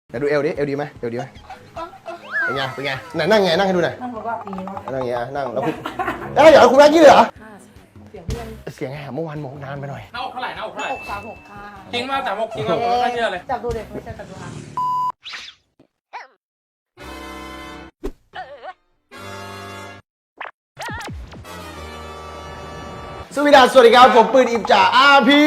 เดี๋ยวดูเอวดิเอวดีไหมเอวดีไหมเป็นไงเป็นไงไหนนั่งไงนั่งให้ดูหน่อยนั่งบอกว่าดีเนาะนั่งอย่างเงี้ยนั่งแล้วคุณได้เหรอคุณแม่กี้เลยเหรอเสียงเพื่อนเสียงแหบเมื่อวานโมกนานไปหน่อยหน้าอกเท่าไหร่หน้าอกเท่าไหร่ 636ค่ะจริงมาก36จริงมากผมไม่เชื่อเลยจับดูเด็กไม่ใช่จับดูค่ะสวัสดีครับผมปืนอิมจ่าพี่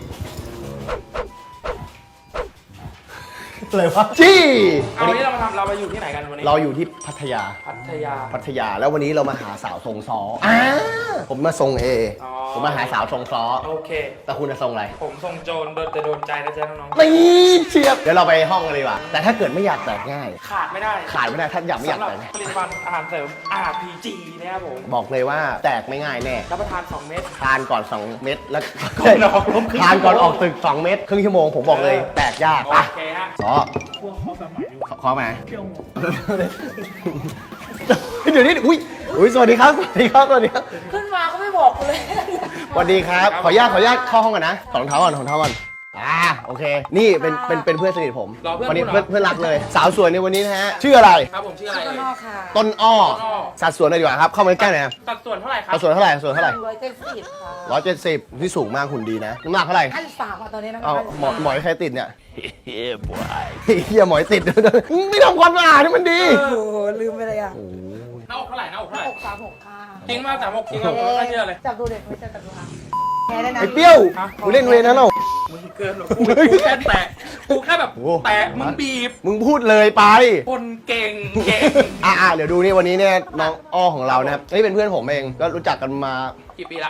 อะไรวะจี้เอาวันนี้เราไปอยู่ที่ไหนกันวันนี้เราอยู่ที่พัทยาพัทยาแล้ววันนี้เรามาหาสาวทรงซ้อผมมาทรงเออ๋อผมมาหาสาวทรงซ้อโอเคแต่คุณจะทรงอะไรผมทรงโจรแต่โดนใจนะจ๊ะน้องนี่เชียบเดี๋ยวเราไปห้องกันเลยว่ะแต่ถ้าเกิดไม่อยากแตกง่ายๆขาดไม่ได้ขาดไม่ได้ถ้าอยากไม่อยากสำหรับแตกง่ายผลิตภัณฑ์อาหารเสริม RPG นะครับผมบอกเลยว่าแตกไม่ง่ายแน่รับประทาน2 เม็ดทานก่อน 2 เม็ดแล้วก่อนออกรบครึ่งทานก่อนออกตึก 2 เม็ดครึ่งชั่วโมงผมบอกเลยแตกยากโออ่ะเคฮะซ้อขอไหมเดี๋ยวนี้อุ้ยสวัสดีครับสวัสดีครับขึ้นมาก็ไม่บอกกูเลยสวัสดีครับขออนุญาตเข้าห้องก่อนนะถอดรองเท้าก่อนโอเค นี่เป็นเพื่อนสนิทผมรอเพื่อนวันนี้คุณเหรอเพื่อนรักเลย สาวสวยในวันนี้นะฮะชื่ออะไรครับผมชื่ออะไรข้างเอ่ยนอกค่ะต้นอ้อต้นอ้อสัดส่วนเลยดีกว่าครับเข้ามาใกล้หน่อยนะสัดส่วนเท่าไหร่ครัสัดส่วนเท่าไหร่ 170ค่ะ 170ที่สูงมากหุ่นดีนะน้ำหนักเท่าไหร่ 53ค่ะตอนนี้นะคะเอาหมอยใครติดเนี่ยเฮียหมอยติดไม่ทำความสะอาดให้มันดีโอ้โหลืมไปเลยอ่ะหน้าอกเท่าไหร่หน้าอกเท่าไหร่ 636ค่ะจริงมาก36จริงมากผมไม่เชื่อเลยจับดูเด็กไม่ใช่จับดูค่ะแพ้ได้นะไอ้เปรี้ยวกูเล่นเวรนะเรามึงเกินหรอกกูแค่แตะกูแค่แบบโอ้แตะมึงบีบมึงพูดเลยไปคนเก่งเดี๋ยวดูนี่วันนี้เนี่ยน้องอ้อของเรานะครับนี่เป็นเพื่อนผมเองก็รู้จักกันมากี่ปีละ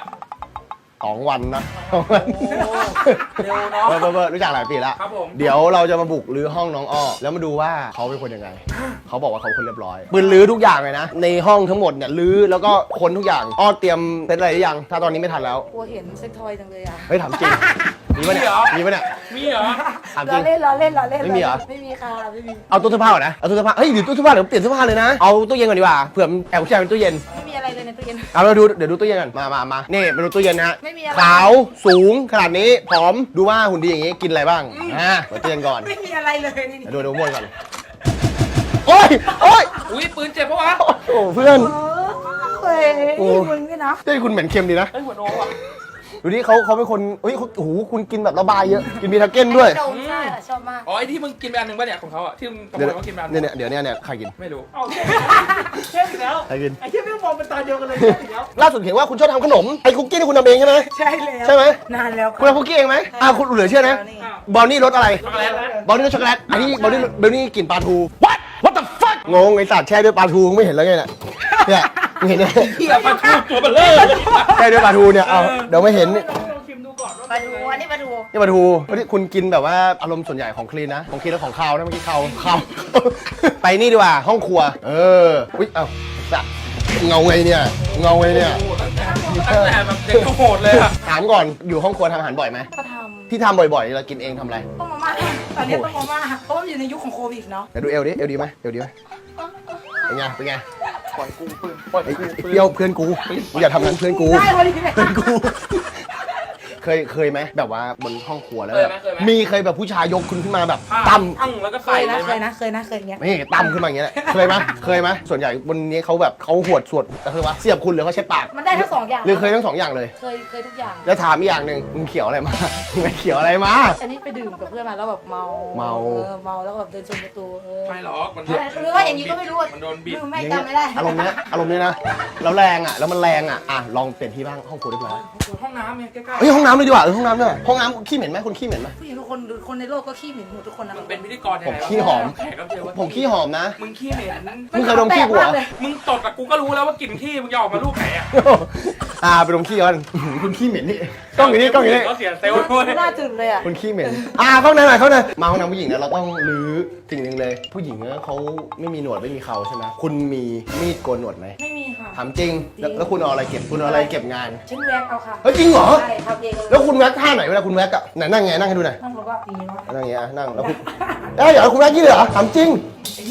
2 วันนะเร็วเนาะเบอร์รู้จักหลายปีแล้วครับผมเดี๋ยวเราจะมาบุกรื้อห้องน้องอ้อแล้วมาดูว่าเขาเป็นคนยังไง เขาบอกว่าเขาเป็นคนเรียบร้อยปืนรื้อทุกอย่างเลยนะ ในห้องทั้งหมดเนี่ยรื้อแล้วก็ค้นทุกอย่างอ้อเตรียมเซ็ตอะไรหรือยังถ้าตอนนี้ไม่ทันแล้วกลัวเห็นเซ็กทอยจังเลยอ่ะเฮ้ยถามจริงมีปะเนี่ยมีปะเนี่ยมีเหรอถามจริงล้อเล่นไม่มีเหรอไม่มีค่ะไม่มีเอาตู้เสื้อผ้าก่อนนะเอาตู้เสื้อผ้าเฮ้ยเดี๋ยวตู้เสื้อผ้าเดี๋ยวเปลี่ยนเสื้อผ้าเลยนะเอาตู้เย็นก่อนดีกว่าเผื่อแอบผู้ชายเป็นตู้เย็นไม่มีอะไรเลยในตู้เย็นเอาเราดูเดี๋ยวดูตู้เย็นก่อนมานี่ไปดูตู้เย็นนะฮะไม่มีอะไรขาวสูงขนาดนี้ผอมดูว่าหุ่นดีอย่างงี้กินอะไรบ้างเปิดตู้เย็นก่อนไม่มีอะไรเลยนี่เดี๋ยวดูมวนก่อนโอ๊ยอุ้ยปืนเจ็บปะวะโอ้เพื่อนเฮ้ยมึงนี่นะเฮ้ยคุณเหม็นเค็มดีนะไอ้หัวโนอ่ะดูดิเขาเป็นคนเฮ้ยโอ้โหคุณกินแบบระบายเยอะกินบีทาเก้นด้วยโดนใช่ชอบมากอ๋อไอ้ที่มึงกินไปอันหนึ่งป่ะเนี่ยของเขาอ่ะที่มึงกระโมเดี๋ยวยเขากินไปอันหเนี่นึ่ยงเดี๋ยวเนี่ยใครกินไม่รู้เช่นแล้วใครกินไอ้ที่ไม่มองเป็นตาเดียวกันเลยเช่นแล้วล่าสุดเห็นว่าคุณชอบทำขนมไอ้คุกกี้ที่คุณทำเองใช่ไหมใช่แล้วใช่ไหมนานแล้วคุณทำคุกกี้เองไหมคุณเหลือเชื่อนะบราวนี่รสอะไรช็อกโกแลตนะบราวนี่รสช็อกโกแลตอันนี้บราวนี่กลิ่นปลาทู what the fuck งงไอ้สัตว์แช่ด้วยปลาทูมึงไม่เห็นแล้วไงเนี่ยมึงเห็นไหมแต่ปลาทูตัวเบลเลอร์แช่ด้วยปลาทูเนี่ยเอาเดี๋ยวไม่เห็นลองชิมดูก่อนว่ามาดูอันนี้มาดูนี่ปลาทูนี่คุณกินแบบว่าอารมณ์ส่วนใหญ่ของคลีนนะของคลีนแล้วของคาวนะเมื่อกี้คาวไปนี่ดีกว่าห้องครัวอุ๊ยเอ้าสัตว์เงาไงเนี่ยโอ้โหตั้งแต่แบบเด็กโหดเลยอ่ะถามก่อนอยู่ห้องครัวทำอาหารบ่อยไหมก็ทที่ทำบ่อยๆเรากินเองทำอะไรำต้มมาม่าตอนนี้ต้มมาม่าเพราะว่าอยู่ในยุคของโควิดเนาะเดี๋ยวดูเอวดิเอวดีไหมเอวดีไหมเป็นไงเป็นไงปล่อยกูปืนปล่อยไอ้กูเปรี้ยวเพื่อนกูอย่าทำนั้นเพื่อนกูได้พอดีเลยเพื่อนกูเคยไหมแบบว่าบนห้องครัวแล้วแบบมีเคยแบบผู้ชายยกคุณขึ้นมาแบบตั้มตั้งแล้วก็เคใส่ยเลนะยเคยนะเคยอย่างเงี้ยนี่ตั้มขึ้นมาอย่างเงี้ยแหละเคยไหมส่วนใหญ่บนนี้เขาแบบเขาหวดสวดแต่คือว่าเสียบคุณหรือเขาใช้ปากมันได้ทั้งสองอย่างหรือเคยทั้งสองอย่างเลยเคยทุกอย่างแล้วถามอีกอย่างหนึ่งมึงเขียวอะไรมา มึงไปเขียวอะไรมาอันนี้ไปดื่มกับเพื่อนมาแล้วแบบเมาเมาเมาแล้วแบบเดินชนประตูไม่หรอกมันหรือว่าอย่างนี้ก็ไม่รู้มันโดนบีบลืมไม่จำไม่ได้อารมณ์เนี้ยนะแล้วแรงอ่ะแล้วมันแรงอ่ะลองเปลี่ยนที่บ้างห้องครัวเรียบร้อยห้องน้ำเนี่ยใกล้เฮ้ยห้องน้ำเลยดีกว่าห้องน้ำด้วยห้องน้ำขี้เหม็นไหมคุณขี้เหม็นไหมผู้หญิงทุกคนคนในโลกก็ขี้หมิ่นหมดทุกคนนะๆมึงเป็นพิธีกรยังผมไงขี้หอมแขกรับเชิญวะผมขี้หอมนะมึงขี้เหม็นมึงเคยดมขี้กูเหรอมึงตดกับกูก็รู้แล้วว่ากลิ่นขี้มึงจะออกมาลูกไหนอ่ะไปดมขี้ก่อนคุณขี้เหม็นนี่กล้องอยู่นี่ก็เสียเซลล์ด้วยหน้าจืดเลยอ่ะคุณขี้เหม็นเข้าในหน่อยมาห้องน้ำผู้หญิงเนี่ยเราต้องรื้อสิ่งหนึ่งเลย ผู้หญิงเนี่ยเขาไม่มีหนวดไม่มีเขาใช่ไหมคุณมีมีดโกนหนวดไหมไม่มีค่ะถามจริงแล้วคุณเอาอะไรเก็บคุณเอาอะไรเก็บงานฉันแว็กเอาค่ะเฮ้ยจริงเหรอใช่ทำเองเลยแล้วคุณแว็กท่าไหนเวลาคุณแว็กอะไหนนั่งไงนั่งให้ดูหน่อยนั่งบอกว่าดีเนาะนั่งอย่างเงี้ยนั่งแล้วคุณได้เหรอคุณแว็กยี่เลยเหรอถามจริงไอ้เหี้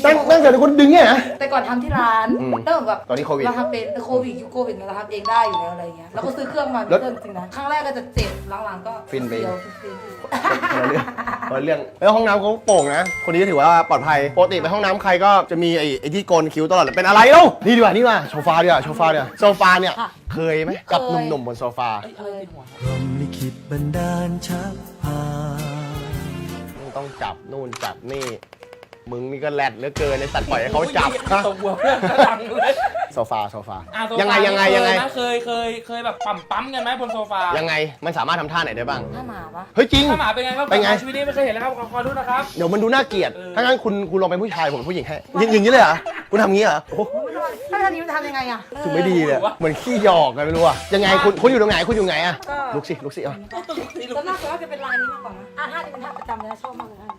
นั่งเสร็จแล้วคุณดึงเนี่ยนะแต่ก่อนทำที่ร้านอืมแล้วแบบตอนนี้โควิดเราทำเป็นแต่โควิดยุคโควิดเราทำเองได้อยู่แล้วอะไรเงี้ยแล้วก็ซื้อเครื่องมาเป็นเครื่องจริงนะครั้งแรกก็จะเจ็บหลังๆก็ฟินไปเดียวคนละเรื่องแล้วห้องน้ำเขาโป่งนะ คนนี้ก็ถือว่าปลอดภัยปกติไปห้องน้ำใครก็จะมีไอ้ที่โกนคิ้วตลอดเลยเป็นอะไรเล่านี่ดีกว่านี่ดีกว่าโซฟาดีกว่าโซฟาเนี่ยโซฟาเนี่ยเคยไหมกับหนุ่มๆบนโซฟาเอ้ยอะไรติดหัวพรหมลิขิตบันดาลชักพาต้องจับนู่นจับนี่มึงนี่ก็แรดเหลือเกินในสัตว์ปล่อยให้เขาจับฮะตกหัวเพื่อนก็ดังเลยโซฟาโซฟาอ่ะโซฟายังไงนะเคยแบบปั๊มกันไหมบนโซฟายังไงมันสามารถทำท่าไหนได้บ้างถ้าหมาปะเฮ้ยจริงถ้าหมาเป็นไงครับเป็นไงชีวิตนี้ไม่เคยเห็นแล้วครับขอดูนะครับเดี๋ยวมันดูน่าเกลียดเออถ้างั้นคุณลองเป็นผู้ชายผมเป็นผู้หญิงให้อย่างนี้เลยเหรอคุณทำงี้เหรอโอ้โหถ้าทำนี้มันทำยังไงอะถึงไม่ดีเลยเหมือนขี้หยอกกันไม่รู้อะยังไงคุณอยู่ตรงไหนคุณอยู่ไหนอะลุกสิเอาส่วนมากจะเป็นลายนี้มากกว่านะท่านี้เป็นท่าประจำเลยนะชอบมากเลยท่า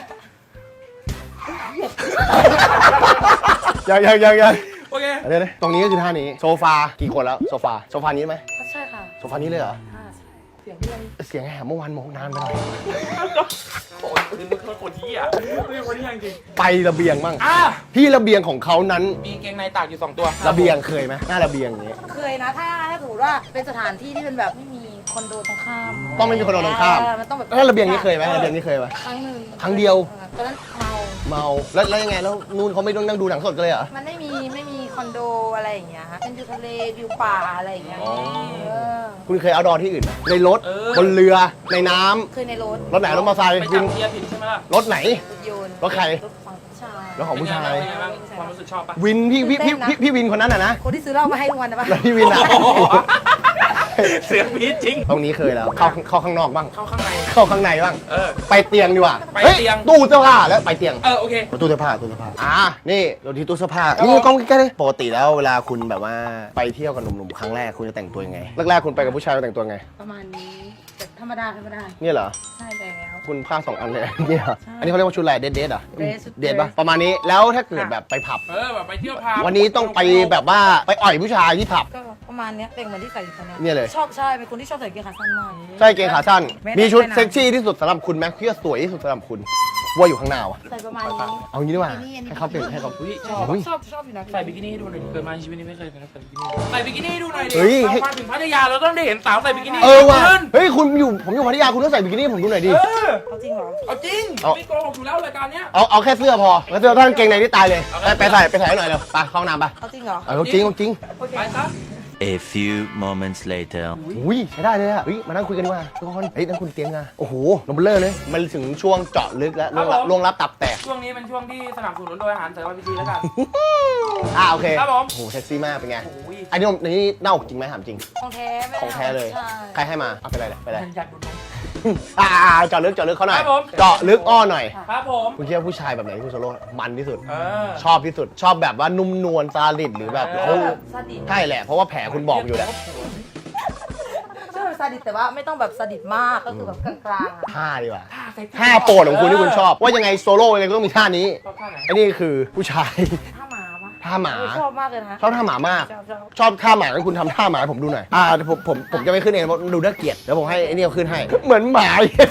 ยังโอเคเดี๋ยวตรงนี้ก็คือท่านี้โซฟากี่คนแล้วโซฟานี้ไหมใช่ค่ะโซฟานี้เลยเหรอเสียงเพื่อนเสียงแหบเมื่อวานมองนานไปหน่อยโอ้ยมึงเป็นคนที่อ่ะมึงเป็นคนที่จริงไประเบียงบ้างอ่ะที่ระเบียงของเขานั้นมีเกงในตากอยู่2ตัวระเบียงเคยไหมหน้าระเบียงอย่างนี้เคยนะถ้าสมมติว่าเป็นสถานที่ที่เป็นแบบไม่มีคอนโดตรงข้ามต้องไม่มีคอนโดตรงข้ามมันต้องแบบแล้วระเบียงนี้เคยไหมระเบียงนี้เคยไหมครั้งหนึ่งครั้งเดียวตอนนั้นเมาเมาแล้วยังไงแล้วนู่นเขาไม่ต้องนั่งดูหนังสดกันเลยเหรอมันไม่มีคอนโดอะไรอย่างเงี้ยเป็นวิวทะเลวิวป่าอะไรอย่างเงี้ยอ๋อเออคุณเคยเอาดอที่อื่นไหมในรถบนเรือในน้ำเคยในรถรถไหนรถมอเตอร์ไซค์ไปวิจับนเกียร์ผิดใช่ไหมล่ะรถไหนรถยนต์รถใครรถของผู้ชายรถของผู้ชายเป็นไงบ้างความรู้สึกชอบปะวินพี่วินคนนั้นอ่ะนะคนที่ซื้อเหล้ามาให้ทุกวันนะปะแล้วพี่วินอ่ะเสียงพีดจริงตรงนี้เคยแล้วเข้าข้างนอกบ้างเข้าข้างในเข้าข้างในบ้างเออไปเตียงดีกว่าไปฮ้เตียงตู้เสื้อผ้าแล้วไปเตียงโอเคตู้เสื้อผ้านี่เราที่ตู้เสื้อผ้านี่กล้องใกล้ๆเลยปกติแล้วเวลาคุณแบบว่าไปเที่ยวกับหนุ่มๆครั้งแรกคุณจะแต่งตัวยังไงแรกๆคุณไปกับผู้ชายคุณแต่งตัวไงประมาณนี้แต่ธรรมดาเนี่ยเหรอใช่แล้วคุณผ้า2 อันเลยเนี่ยเหรออันนี้เขาเรียกว่าชุดอะไรเดทอ่ะ dress เดทป่ะประมาณนี้แล้วถ้าเกิดแบบไปผับแบบไปเที่ยวพาวันนี้ต้องไปแบบว่าไปอ่อยผู้ชายที่ผับก็ประมาณเนี้ยเป็นเหมือนที่ใส่อยู่ตอนเนี้ยเนี่ยเลยชอบใช่เป็นคนที่ชอบใส่กางเกงขาสั้นมากใช่เกงขาสั้นไม่ได้มีชุดไปไหนเซ็กซี่ที่สุดสำหรับคุณไหมที่จะสวยที่สุดสำหรับคุณว่าอยู่ข้างหน้าวะใส่ประมาณนี้เอางี้ดีกว่าอันนี้ให้เขาเปลี่ยนให้เขาอุ้ยชชออบบชอบอยู่นะใส่บิกินี่ให้ดูหน่อยดิเกิดมาในชีวิตนี้ไม่เคยใส่บิกินี่ให้ดูหน่อยดิเฮ้ยเรามาถึงพัทยาเราต้องได้เห็นสาวใส่บิกินี่ว่ะขึ้นเฮ้ยผมอยู่พัทยาคุณต้องใส่บิกินี่ให้ผมดูหน่อยดิเขาจริงเหรอเอาจริงเอาไม่โกหกอยู่แล้วรายการเนี้ยเอาแค่เสื้อพอแล้วเสื้อท่านเกงในที่ตายเลยเอาไปใส่ให้หน่อยเร็วไปเข้าห้องน้ำไปเขาจริงเหรอเอาจริงโอเคไปซะ A few moments later อุ้ยใช้ได้เลยอะเฮ้ยมานั่งคุยกันดีกว่าทุกคนเฮ้ยนั่งคุณเตียงอะโอ้โหนมเบลเลอร์เลยมันถึงช่วงเจาะลึกแล้วล่วงลับตับแตกช่วงนี้เป็นช่วงที่สนับสนุนโดยอาหารเสริม RPG แล้วกันโอเคครับผมโอ้โหเซ็กซี่มากเป็นไงโอ้ยอันนี้เน่าจริงไหมถามจริงของแท้ไม่ของแท้เลยใช่ใครให้มาเอาไปเลยไปเลยอยากดูนมเจาะลึกเขาหน่อยครับผมเจาะลึกอ้อหน่อยครับผมคุณคิดว่าผู้ชายแบบไหนที่คุณโซโล่มันที่สุดเออชอบที่สุด ชอบแบบว่านุ่มนวลซาดิสหรือแบบเออโอ้แบบซาดิสใช่แหละเพราะว่าแผลคุณบอกอยู่แหละชอบแบบซาดิสแต่ว่าไม่ต้องแบบซาดิสมากก็คือแบบกลางๆอะท่าดีกว่าท่าเซ็กซี่ท่าโปรดของคุณที่คุณชอบ ว่ายังไงโซโล่ยังไงก็ต้องมีท่านี้ชอบท่าไหนไอ้นี่คือผู้ชายท่าหมาปะท่าหมาชอบมากเลยนะชอบท่าหมามากชอบชอบท่าหมาให้คุณทำท่าหมาให้ผมดูหน่อยผมจะไม่ขึ้นเองเพราะดูน่าเกลียดเดี๋ยวผมให้ไอ้นี่เอาขึ้นให้ เหมือนหมา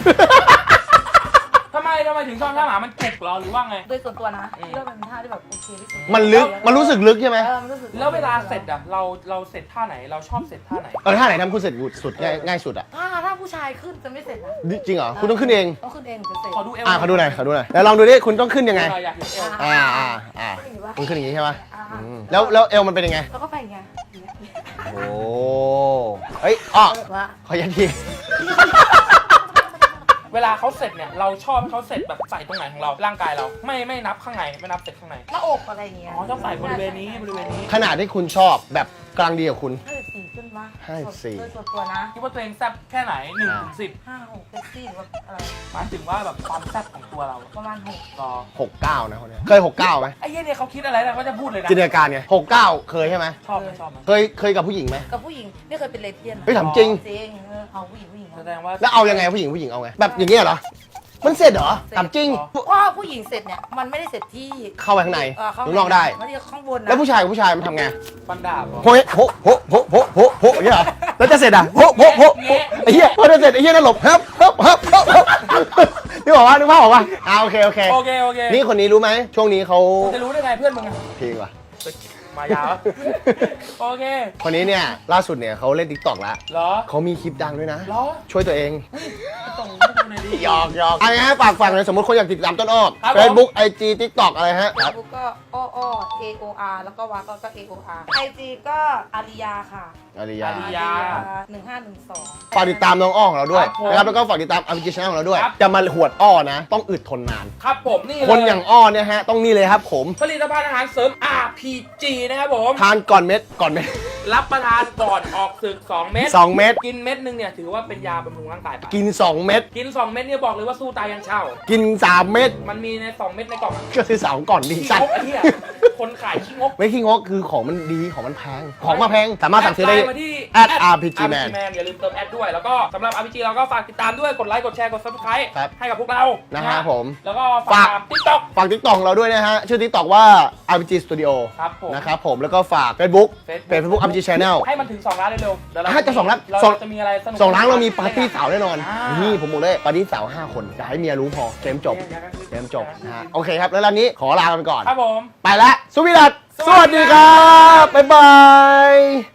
ทำไมถึงชอบท่าหมามันจุกเหรอหรือว่าไงโดยส่วนตัวนะที่ว่ามันเป็นท่าที่แบบโอเคที่สุดมันรู้สึกลึกใช่ไหมมันรู้สึกแล้วเวลาเสร็จอะเราเสร็จท่าไหนเราชอบเสร็จท่าไหนท่าไหนทำคุณเสร็จสุดง่ายสุดอ่ะถ้าผู้ชายขึ้นจะไม่เสร็จนะจริงเหรอคุณต้องขึ้นเองต้องขึ้นเองถึงจะเสร็จขอดูเอวเขาดูหน่อยแล้วลองดูดิคุณต้องขึ้นยังไงอยากเห็นเอวคุณขึ้นอย่างนี้ใช่ไหมอ่าแล้วเอวมันเป็นยังไงแล้วก็ไปไงอย่างเงี้ยโอ้เฮ้ยอ้อว่าขอยัดทีเวลาเขาเสร็จเนี่ยเราชอบเขาเสร็จแบบใส่ตรงไหนของเราร่างกายเราไม่นับข้างในไม่นับเสร็จข้างในหน้าอกอะไรอย่างเงี้ยอ๋อชอบใส่บริเวณนี้ขนาดที่คุณชอบแบบกลางดีกับคุณ 54ขึ้นมา 54 โดยส่วนตัวนะคิดว่าตัวเองแซ่บแค่ไหน1 ถึง 10 56เซ็กซี่หรือว่าอะไรหมายถึงว่าแบบความแซ่บของตัวเราประมาณ6 ก็ 69นะคนเนี้ยเคย69ไหมไอ้เหี้ยเนี่ยเขาคิดอะไรนะเขาจะพูดเลยนะจินตนาการไง69เคยใช่ไหมชอบไหมชอบไหมเคยกับผู้หญิงไหมกับผู้หญิงไม่เคยเป็นเลสเบี้ยนนะเฮ้ยถามจริงจริงเอาผู้หญิงแสดงว่าแล้วเอายังไงผู้หญิงเอาไงแบบอย่างเงี้ยเหรอมันเสร็จเหรอถามจริงว่าผู้หญิงเสร็จเนี่ยมันไม่ได้เสร็จที่เข้าไปข้างในเข้าข้างนอกได้ไม่ได้ข้างบนนะแล้วผู้ชายกับผู้ชายมันทำไงฟันดาบเหรอโโหอย่างเงี้ยเหรอแล้วจะเสร็จอ่ะโหไอ้เหี้ยพอจะเสร็จไอ้เหี้ยนั่นหลบนึกบอกว่านึกภาพออกว่าโอเคโอเคนี่คนนี้รู้ไหมช่วงนี้เขาจะรู้ได้ไงเพื่อนมึงอะเพลงว่ะมายาวโอเคคนนี้เนี่ยล่าสุดเนี่ยเขาเล่น TikTok แล้วเหรอเขามีคลิปดังด้วยนะเหรอช่วยตัวเองต้องให้ดูหน่อยดิหยอกอะไรฮะฝากเลยสมมติคนอยากติดตามต้นอ้อครับผม Facebook IG TikTok อะไรฮะเฟซบุ๊กก็อ้อ AOR แล้วก็วาก็ AOR IG ก็อาริยาค่ะอาริยาอาริยา 1512 ฝากติดตามน้องอ้อของเราด้วยครับผมนะครับแล้วก็ฝากติดตาม RPG Channel ของเราด้วยครับจะมาหวดอ้อนะ ต้องอึดทนนานครับผมนี่เลยคนอย่างอ้อเนี่ยฮะต้องนี่เลยครับผมผลิตภัณฑ์อาหารเสริม RPG นะครับผมทานก่อนเม็ดรับประทานก่อนออกศึก 2 เม็ด 2 เม็ดกินเม็ดหนึงเนี่ยถือว่าเป็นยาบำรุงร่างกายไปกิน 2 เม็ดกิน 2 เม็ดเนี่ยบอกเลยว่าสู้ตายยันเช่ากิน 3 เม็ดมันมีใน 2 เม็ดในกล่องก็คือ2ก่อนดีขี้สัตงว์กไอ้เหี้ยคนขายขี้งกไม่ขี้งกคือของมันดีของมันแพงของมาแพงสามารถสั่งซื้อได้แดลน์มาที่ @RPG Man อย่าลืมเติมแอดด้วย แล้วก็สำหรับ RPG เราก็ฝากติดตามด้วยกดไลค์กดแชร์กด Subscribe ครับให้กับพวกเรานะนะฮะผมแล้วก็ฝาฝาก ก TikTok ฝาก TikTok ของเราด้วยนะฮะชื่อ TikTok ว่า RPG Studio ครับผมนะครับผมแล้วก็ฝาก Facebook Facebook Facebook RPG Channel ให้มันถึง 2 ล้านเร็วๆเดี๋ยวเราจะ2 ล้านเราจะมีอะไรสนุก 2 ล้านเรามีปาร์ตี้สาวแน่นอนอ่านี่ผมบอกเลยปาร์ตี้สาว5 คนอย่าให้เมียรู้พอเกมจบเกมนะฮะโอเคครับแล้วร้านนี้ขอลาไปก่อนครับผมไปแล้วสวีดัสสวัสดีครับ บ๊ายบาย